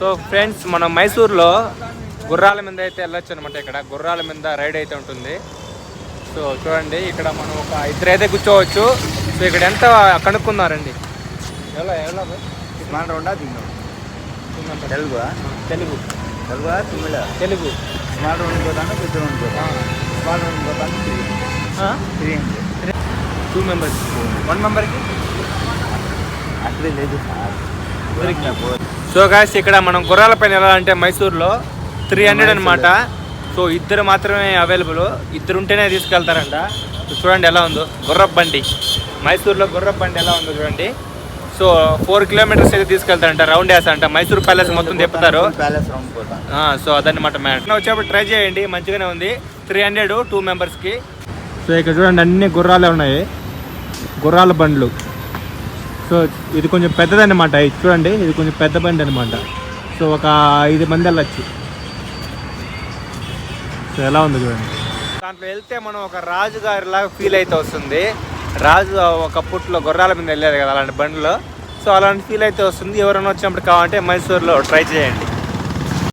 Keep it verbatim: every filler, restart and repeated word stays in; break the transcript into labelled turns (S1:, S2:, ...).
S1: So friends, మనం మైసూర్లో గుర్రాల మీద అయితే వెళ్ళొచ్చు అనమాట. ఇక్కడ గుర్రాల మీద రైడ్ అయితే ఉంటుంది. సో చూడండి, ఇక్కడ మనం ఒక ఇద్దరు అయితే కూర్చోవచ్చు. సో ఇక్కడ ఎంత కనుక్కున్నారండి? ఎలా ఎలా
S2: స్మాల్ రౌండా తెలుగు
S1: తెలుగు
S2: తెలుగు తమిళ
S1: తెలుగు
S2: స్మాల్ రౌండ్ పోతాను పెద్ద రౌండ్ పోతాను స్మాల్ రౌండ్ పోతాను three hundred
S1: two members one మెంబర్కి
S2: అక్కడే లేదు
S1: సో గాయ్స్, ఇక్కడ మనం గుర్రాల పైన వెళ్ళాలంటే మైసూర్లో త్రీ హండ్రెడ్ అనమాట. సో ఇద్దరు మాత్రమే అవైలబుల్, ఇద్దరు ఉంటేనే తీసుకెళ్తారంట. చూడండి ఎలా ఉందో గుర్రపు బండి. మైసూర్లో గుర్రపు బండి ఎలా ఉందో చూడండి. సో ఫోర్ కిలోమీటర్స్ అయితే తీసుకెళ్తారంట, రౌండ్ వేస్తారంట. మైసూర్ ప్యాలెస్ మొత్తం తిప్పుతారు. సో అదనమాట మ్యాటర్. వచ్చేప్పుడు ట్రై చేయండి, మంచిగానే ఉంది. త్రీ హండ్రెడ్ టూ మెంబర్స్కి. సో ఇక్కడ చూడండి, అన్ని గుర్రాలే ఉన్నాయి, గుర్రాల బండ్లు. సో ఇది కొంచెం పెద్దదన్నమాట. ఇది చూడండి, ఇది కొంచెం పెద్ద బండి అనమాట. సో ఒక ఐదు మంది వెళ్ళచ్చు. సో ఎలా ఉంది చూడండి. దాంట్లో వెళ్తే మనం ఒక రాజుగారిలాగా ఫీల్ అయితే వస్తుంది. రాజు ఒకప్పట్లో గుర్రాల మీద వెళ్ళేది కదా అలాంటి బండిలో. సో అలాంటి ఫీల్ అయితే వస్తుంది. ఎవరైనా వచ్చినప్పుడు కావాలంటే మైసూర్లో ట్రై చేయండి.